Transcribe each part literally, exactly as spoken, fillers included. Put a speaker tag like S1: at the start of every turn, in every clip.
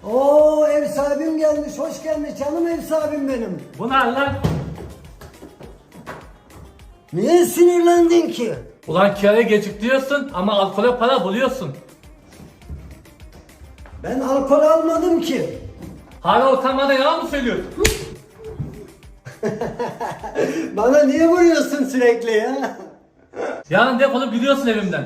S1: Oo, ev sahibim gelmiş, hoş gelmiş canım ev sahibim benim.
S2: Bu ne lan?
S1: Niye sinirlendin ki?
S2: Ulan kiraya geciktiriyorsun ama alkole para buluyorsun.
S1: Ben alkol almadım ki.
S2: Hala utanmadan yalan mı söylüyorsun?
S1: Bana niye vuruyorsun sürekli ya?
S2: Yarın defolup gidiyorsun evimden.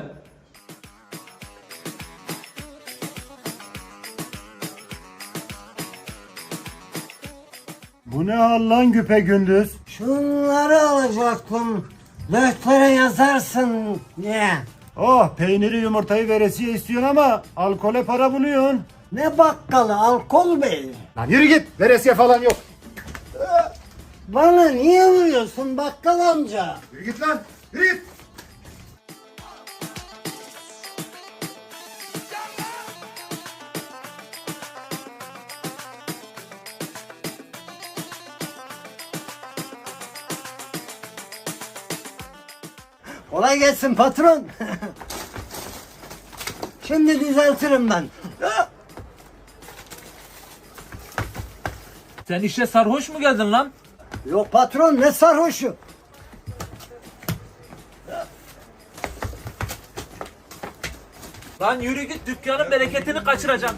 S3: Bu ne hal lan güpegündüz?
S1: Şunları alacaktım. Deftere yazarsın diye.
S3: Oh, peyniri yumurtayı veresiye istiyorsun ama alkole para buluyorsun.
S1: Ne bakkalı alkol bey.
S3: Lan yürü git, veresiye falan yok.
S1: Bana niye vuruyorsun bakkal amca?
S3: Yürü git lan, yürü git.
S1: Kolay gelsin patron. Şimdi düzeltirim ben.
S2: Sen işe sarhoş mu geldin lan?
S1: Yok patron, ne sarhoşu.
S2: Lan yürü git, dükkanın bereketini kaçıracaksın.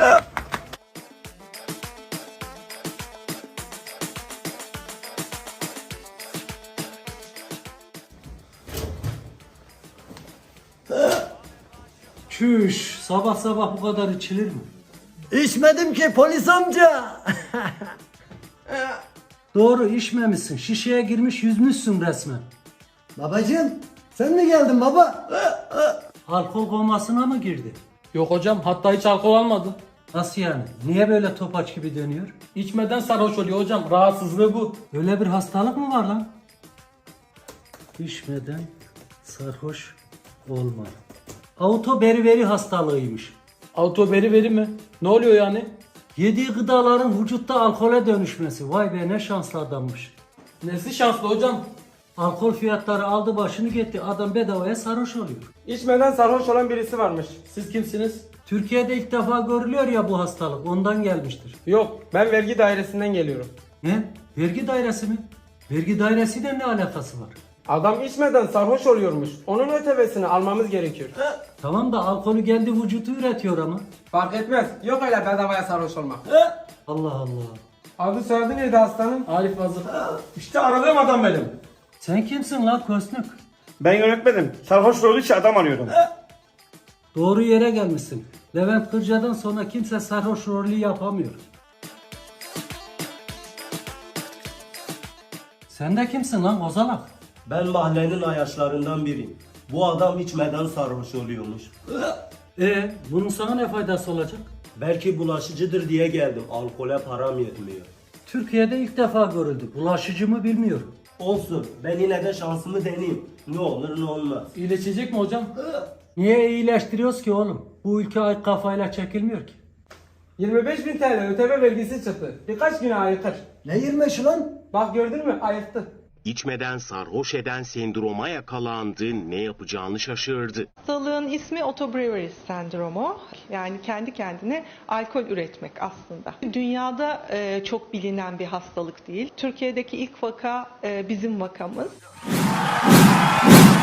S2: Çüş, sabah sabah bu kadar içilir mi?
S1: İçmedim ki polis amca.
S2: Doğru, içmemişsin. Şişeye girmiş yüzmüşsün resmen.
S1: Babacığım, sen mi geldin baba?
S2: Alkol komasına mı girdi?
S4: Yok hocam, hatta hiç alkol almadı.
S2: Nasıl yani? Niye böyle topaç gibi dönüyor?
S4: İçmeden sarhoş oluyor hocam. Rahatsızlığı bu.
S2: Öyle bir hastalık mı var lan? İçmeden sarhoş olma. Auto beriberi hastalığıymış.
S4: Autoberi veri mi? Ne oluyor yani?
S2: Yediği gıdaların vücutta alkole dönüşmesi. Vay be, ne şanslı adammış.
S4: Nesi şanslı hocam?
S2: Alkol fiyatları aldı başını gitti. Adam bedavaya sarhoş oluyor.
S5: İçmeden sarhoş olan birisi varmış.
S4: Siz kimsiniz?
S2: Türkiye'de ilk defa görülüyor ya bu hastalık. Ondan gelmiştir.
S5: Yok, ben vergi dairesinden geliyorum.
S2: Ne? Vergi dairesi mi? Vergi dairesiyle ne alakası var?
S5: Adam içmeden sarhoş oluyormuş. Onun ötevesini almamız gerekiyor.
S2: Tamam da alkolü kendi vücutu üretiyor ama.
S5: Fark etmez. Yok öyle bedavaya sarhoş olmak.
S2: Allah Allah.
S5: Adı soyadı neydi hastanın?
S4: Arif Hazır. İşte aradığım adam benim.
S2: Sen kimsin lan kösnük?
S6: Ben yönetmedim. Sarhoş olduğu için adam arıyorum.
S2: Doğru yere gelmişsin. Levent Kırca'dan sonra kimse sarhoş rolü yapamıyor. Sen de kimsin lan kozalak?
S6: Ben mahallenin ayaşlarından biriyim. Bu adam içmeden sarhoş oluyormuş.
S2: E bunun sana ne faydası olacak?
S6: Belki bulaşıcıdır diye geldim. Alkole param yetmiyor.
S2: Türkiye'de ilk defa görüldü. Bulaşıcı mı bilmiyorum.
S6: Olsun. Ben yine de şansımı deneyeyim. Ne olur ne olmaz.
S4: İyileşecek mi hocam?
S2: Niye iyileştiriyoruz ki oğlum? Bu ülke ay kafayla çekilmiyor ki.
S5: yirmi beş bin T L öteme vergisi çıktı. Birkaç güne ayıkır.
S1: Ne yirmişi lan?
S5: Bak gördün mü? Ayıktı.
S7: İçmeden sarhoş eden sendroma yakalandı, ne yapacağını şaşırdı.
S8: Hastalığın ismi otobrewery sendromu. Yani kendi kendine alkol üretmek aslında. Dünyada e, çok bilinen bir hastalık değil. Türkiye'deki ilk vaka e, bizim vakamız.